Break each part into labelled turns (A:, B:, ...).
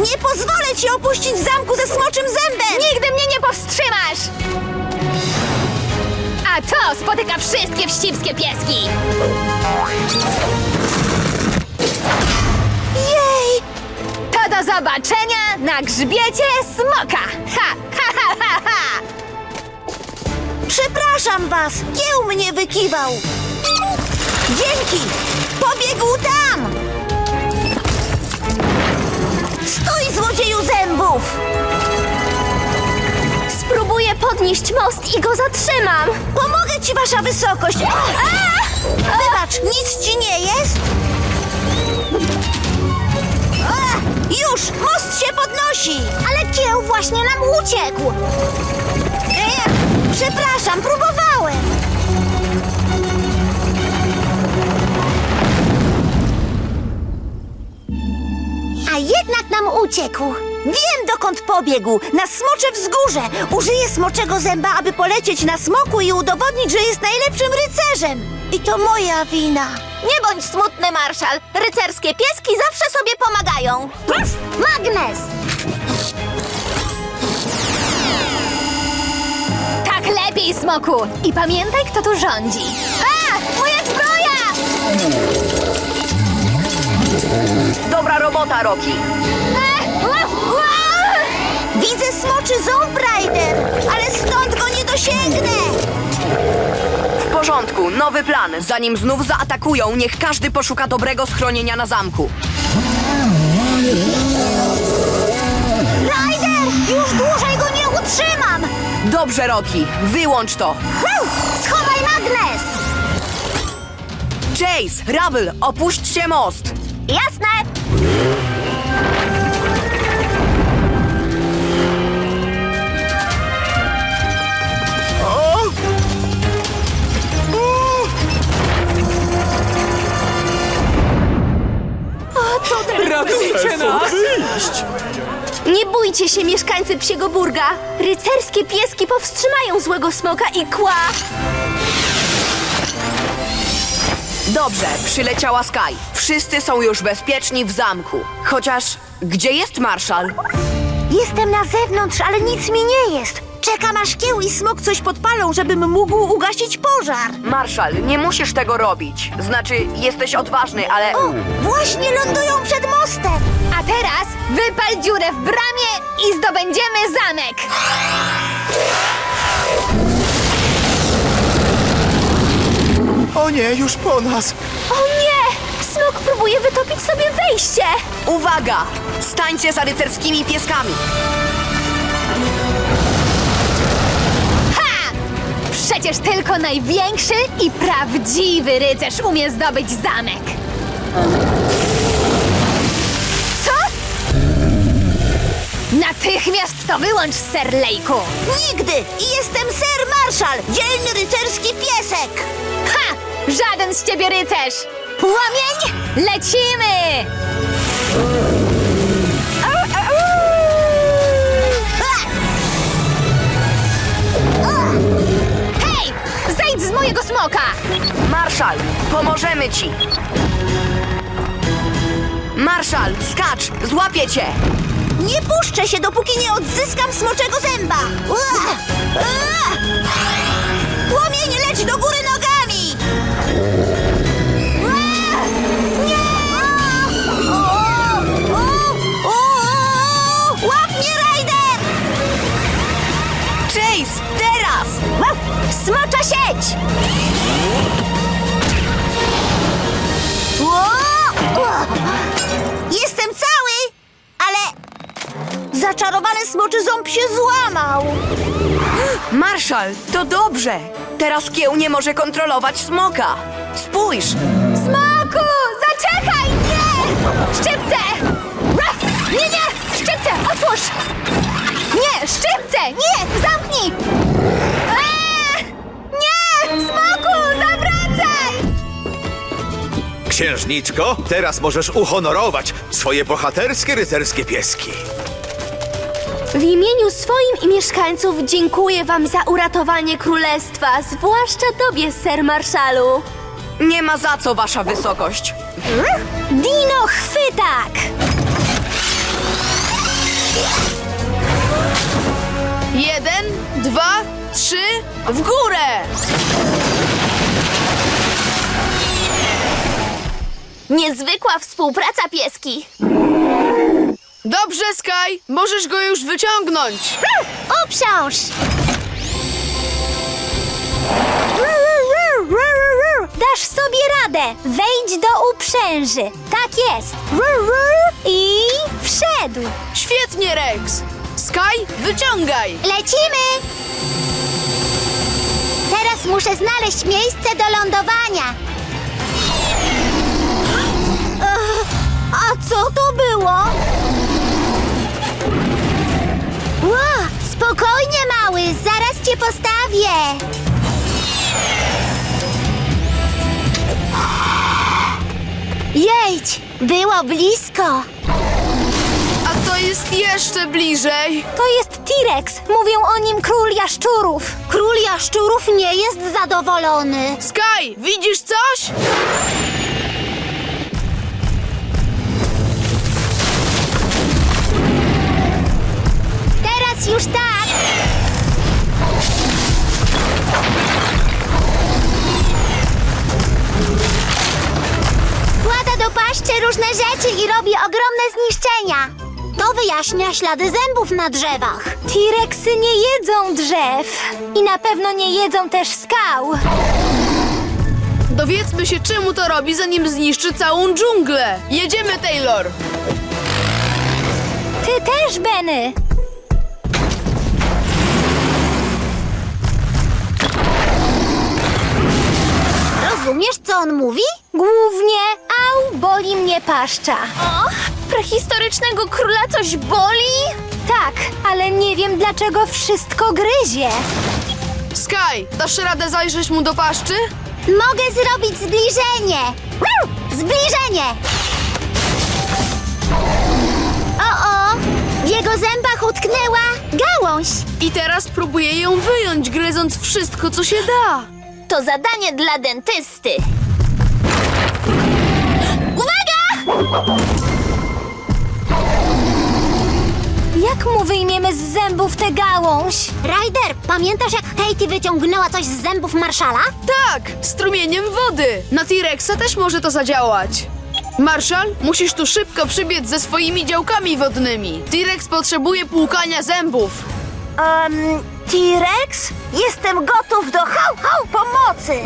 A: Nie pozwolę ci opuścić zamku ze smoczym zębem!
B: Nigdy mnie nie powstrzymasz! A to spotyka wszystkie wścibskie pieski!
A: Jej!
B: To do zobaczenia na grzbiecie smoka! Ha, ha, ha, ha, ha!
A: Przepraszam was! Kieł mnie wykiwał! Dzięki! Pobiegł tam! Stój, złodzieju zębów!
B: Spróbuję podnieść most i go zatrzymam!
A: Pomogę ci, wasza wysokość! Wybacz, nic ci nie jest? Już! Most się podnosi! Ale kieł właśnie nam uciekł! Przepraszam, próbowałem! A jednak nam uciekł! Wiem, dokąd pobiegł! Na smocze wzgórze! Użyję smoczego zęba, aby polecieć na smoku i udowodnić, że jest najlepszym rycerzem! I to moja wina!
C: Nie bądź smutny, Marszal. Rycerskie pieski zawsze sobie pomagają.
A: Magnes!
B: Tak lepiej, smoku! I pamiętaj, kto tu rządzi! A! Moja zbroja!
D: Dobra robota, Rocky.
A: Widzę smoczy ząb, Ryder! Ale stąd go nie dosięgnę!
D: W porządku, nowy plan. Zanim znów zaatakują, niech każdy poszuka dobrego schronienia na zamku.
A: Ryder! Już dłużej go nie utrzymam!
D: Dobrze, Rocky, wyłącz to.
A: Schowaj magnes!
D: Chase, Rubble, opuśćcie most.
C: Jasne.
D: Ratujcie nas!
B: Nie bójcie się, mieszkańcy Psiego Burga! Rycerskie pieski powstrzymają złego smoka i kła!
D: Dobrze, przyleciała Sky. Wszyscy są już bezpieczni w zamku. Chociaż, gdzie jest Marszal?
A: Jestem na zewnątrz, ale nic mi nie jest. Czekam, aż kieł i smok coś podpalą, żebym mógł ugasić pożar.
D: Marszal, nie musisz tego robić. Znaczy, jesteś odważny, ale...
A: O, właśnie lądują przed mostem.
B: A teraz wypal dziurę w bramie i zdobędziemy zamek!
E: O nie, już po nas!
B: O nie! Smok próbuje wytopić sobie wejście!
D: Uwaga! Stańcie za rycerskimi pieskami.
B: Ha! Przecież tylko największy i prawdziwy rycerz umie zdobyć zamek! Co? Natychmiast to wyłącz, Sir Lejku!
A: Nigdy! I jestem Sir Marshall, dzielny rycerski piesek.
B: Ha! Żaden z ciebie rycerz! Płomień! Lecimy! Hej! Zejdź z mojego smoka!
D: Marszal, pomożemy ci. Marszal, skacz, złapię cię.
A: Nie puszczę się, dopóki nie odzyskam smoczego zęba. Płomień, leć do góry nogami! Łap mnie, Ryder!
D: Chase, teraz!
A: Smocza sieć! Jestem cały, ale zaczarowany smoczy ząb się złamał.
D: Marszal, to dobrze. Teraz kieł nie może kontrolować smoka. Spójrz!
B: Smoku! Zaczekaj! Nie! Szczypce! Ruff! Nie, nie! Szczypce! Otwórz! Nie! Szczypce! Nie! Zamknij! Eee! Nie! Smoku! Zawracaj!
E: Księżniczko, teraz możesz uhonorować swoje bohaterskie rycerskie pieski.
B: W imieniu swoim i mieszkańców dziękuję wam za uratowanie królestwa, zwłaszcza tobie, Sir Marszalu.
D: Nie ma za co, wasza wysokość.
B: Dino chwytak!
F: Jeden, 2, 3, w górę!
C: Niezwykła współpraca, pieski.
F: Dobrze, Sky, możesz go już wyciągnąć.
A: Uprząż! Dasz sobie radę. Wejdź do uprzęży. Tak jest. I wszedł.
F: Świetnie, Rex. Sky, wyciągaj.
A: Lecimy! Teraz muszę znaleźć miejsce do lądowania. A co to było? Ło, spokojnie, mały, zaraz cię postawię. Jedź, było blisko.
F: A to jest jeszcze bliżej.
A: To jest T-Rex. Mówią o nim król jaszczurów. Król jaszczurów nie jest zadowolony.
F: Sky, widzisz coś?
A: Teraz już tak. Kłada do paszczy różne rzeczy i robi ogromne zniszczenia. To wyjaśnia ślady zębów na drzewach. T-Rexy nie jedzą drzew. I na pewno nie jedzą też skał.
F: Dowiedzmy się, czemu to robi, zanim zniszczy całą dżunglę. Jedziemy, Taylor.
A: Ty też, Benny. Rozumiesz, co on mówi? Głównie, au, boli mnie paszcza.
B: O, prehistorycznego króla coś boli?
A: Tak, ale nie wiem, dlaczego wszystko gryzie.
F: Sky, dasz radę zajrzeć mu do paszczy?
A: Mogę zrobić zbliżenie. Zbliżenie! O, w jego zębach utknęła gałąź.
F: I teraz próbuję ją wyjąć, gryząc wszystko, co się da.
C: To zadanie dla dentysty. Uwaga!
A: Jak mu wyjmiemy z zębów tę gałąź? Ryder, pamiętasz, jak Katie wyciągnęła coś z zębów Marszala?
F: Tak, strumieniem wody. Na T-Rexa też może to zadziałać. Marshall, musisz tu szybko przybiec ze swoimi działkami wodnymi. T-Rex potrzebuje płukania zębów.
A: T-Rex? Jestem gotów do pomocy!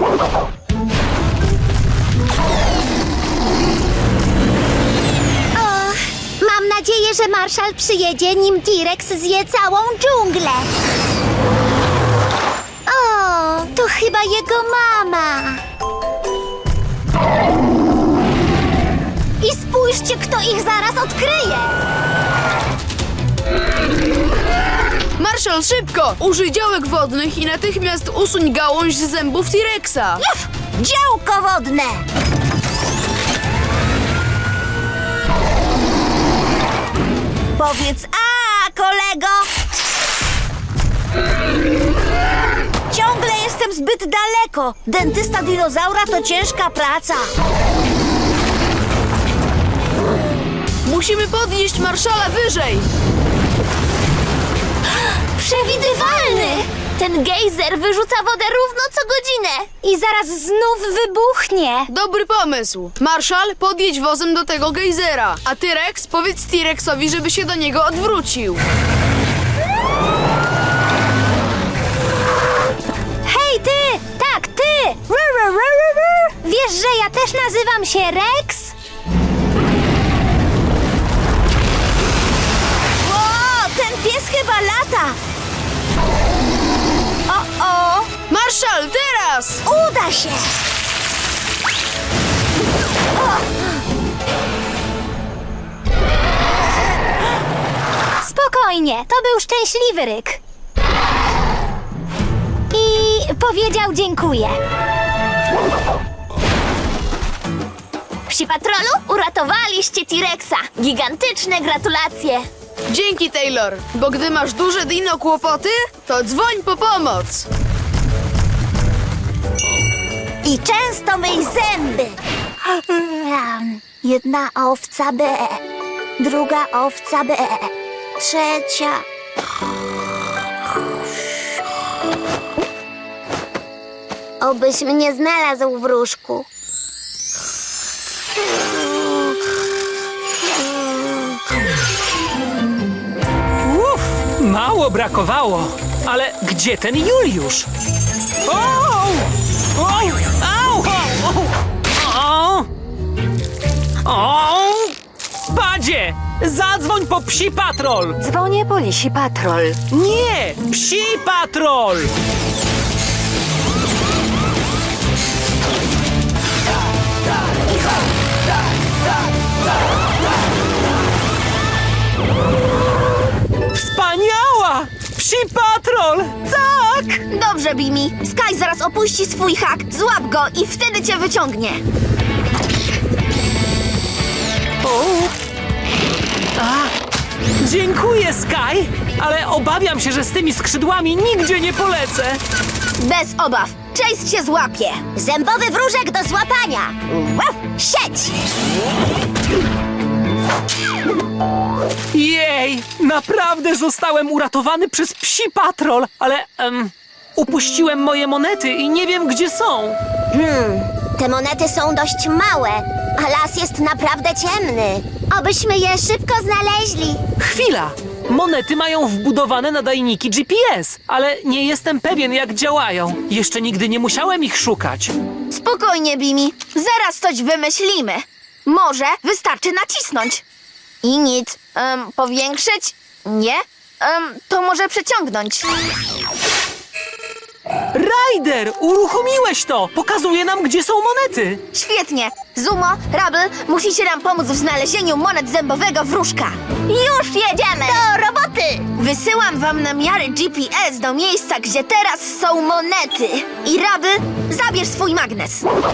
A: Mam nadzieję, że Marszal przyjedzie, nim T-Rex zje całą dżunglę. O, to chyba jego mama. I spójrzcie, kto ich zaraz odkryje.
F: Marshall, szybko! Użyj działek wodnych i natychmiast usuń gałąź z zębów T-Rexa.
A: Działko wodne! Powiedz a, kolego! Ciągle jestem zbyt daleko. Dentysta dinozaura to ciężka praca.
F: Musimy podnieść Marszala wyżej.
A: Przewidywalny!
B: Ten gejzer wyrzuca wodę równo co godzinę.
A: I zaraz znów wybuchnie.
F: Dobry pomysł. Marshall, podjedź wozem do tego gejzera. A ty, Rex, powiedz T-Rexowi, żeby się do niego odwrócił.
A: Hej, ty! Tak, ty! Wiesz, że ja też nazywam się Rex? O, ten pies chyba lata! O!
F: Marshall, teraz!
A: Uda się! Spokojnie, to był szczęśliwy ryk. I powiedział dziękuję.
C: Psi Patrolu, uratowaliście T-Rexa. Gigantyczne gratulacje.
F: Dzięki, Taylor, bo gdy masz duże dino kłopoty, to dzwoń po pomoc.
A: I często myj zęby. Jedna owca B, druga owca B, trzecia.
C: Obyś mnie znalazł, wróżku.
G: Mało brakowało. Ale gdzie ten Juliusz? O! O! Au! O! O! Padzie! Zadzwoń po psi patrol!
B: Dzwonię po lisi patrol.
G: Nie! Psi patrol! Wspaniała! Psi patrol! Tak!
C: Dobrze, Bimi. Sky zaraz opuści swój hak. Złap go i wtedy cię wyciągnie.
G: Dziękuję, Sky! Ale obawiam się, że z tymi skrzydłami nigdzie nie polecę.
C: Bez obaw. Chase cię złapie.
A: Zębowy wróżek do złapania. Wow, sieć!
G: Jej! Naprawdę zostałem uratowany przez psi patrol, ale upuściłem moje monety i nie wiem, gdzie są.
A: Te monety są dość małe, a las jest naprawdę ciemny. Obyśmy je szybko znaleźli.
G: Chwila! Monety mają wbudowane nadajniki GPS, ale nie jestem pewien, jak działają. Jeszcze nigdy nie musiałem ich szukać.
C: Spokojnie, Bimi. Zaraz coś wymyślimy. Może wystarczy nacisnąć. I nic. Powiększyć? Nie? To może przeciągnąć.
G: Ryder! Uruchomiłeś to! Pokazuje nam, gdzie są monety!
C: Świetnie. Zumo, Rubble, musicie nam pomóc w znalezieniu monet zębowego wróżka. Już jedziemy! Do roboty! Wysyłam wam namiary GPS do miejsca, gdzie teraz są monety. I Rubble, zabierz swój magnes.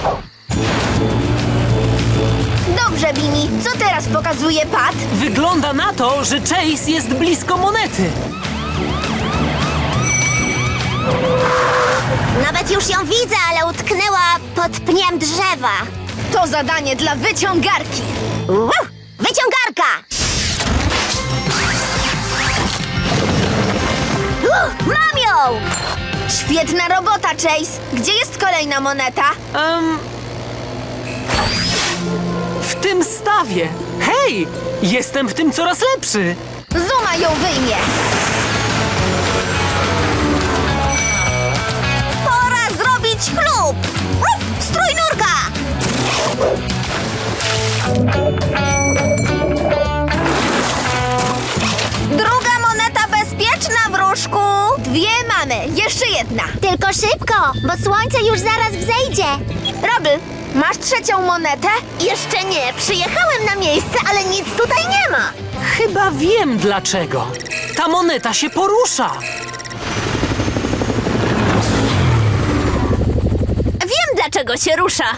C: Dobrze, Bimi. Co teraz pokazuje Pat?
G: Wygląda na to, że Chase jest blisko monety.
A: Nawet już ją widzę, ale utknęła pod pniem drzewa.
C: To zadanie dla wyciągarki.
A: Wyciągarka! Mam ją!
C: Świetna robota, Chase. Gdzie jest kolejna moneta?
G: W tym stawie. Hej! Jestem w tym coraz lepszy.
C: Zuma ją wyjmie.
A: Pora zrobić chlub! Strój nurka!
C: Druga moneta bezpieczna, wróżku. Dwie mamy. Jeszcze jedna.
A: Tylko szybko, bo słońce już zaraz wzejdzie.
C: Rubble, masz trzecią monetę?
A: Jeszcze nie, przyjechałem na miejsce, ale nic tutaj nie ma.
G: Chyba wiem dlaczego. Ta moneta się porusza.
A: Wiem, dlaczego się rusza.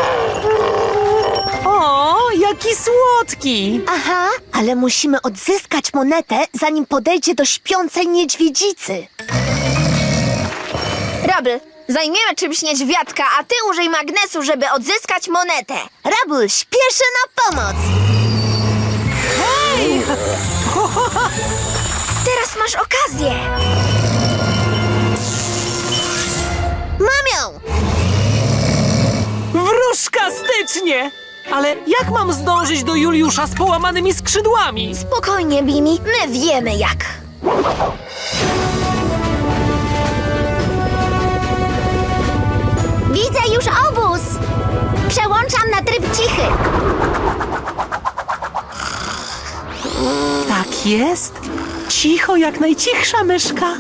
G: O, jaki słodki!
A: Aha, ale musimy odzyskać monetę, zanim podejdzie do śpiącej niedźwiedzicy.
C: Rubble, zajmiemy czymś niedźwiadka, a ty użyj magnesu, żeby odzyskać monetę.
A: Rabul śpieszy na pomoc.
C: Teraz masz okazję.
A: Mam ją!
G: Wróżka stycznie! Ale jak mam zdążyć do Juliusza z połamanymi skrzydłami?
C: Spokojnie, Bimi, my wiemy jak.
A: Widzę już obóz. Przełączam na tryb cichy.
G: Tak jest. Cicho jak najcichsza myszka.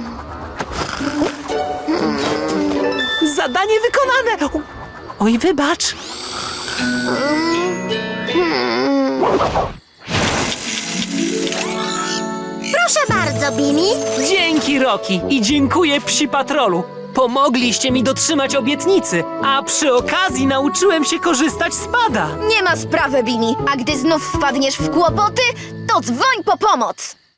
G: Zadanie wykonane. Oj, wybacz.
A: Proszę bardzo, Bimi.
G: Dzięki, Roki, i dziękuję Psi Patrolu. Pomogliście mi dotrzymać obietnicy, a przy okazji nauczyłem się korzystać z pada.
C: Nie ma sprawy, Bimi, a gdy znów wpadniesz w kłopoty, to dzwoń po pomoc.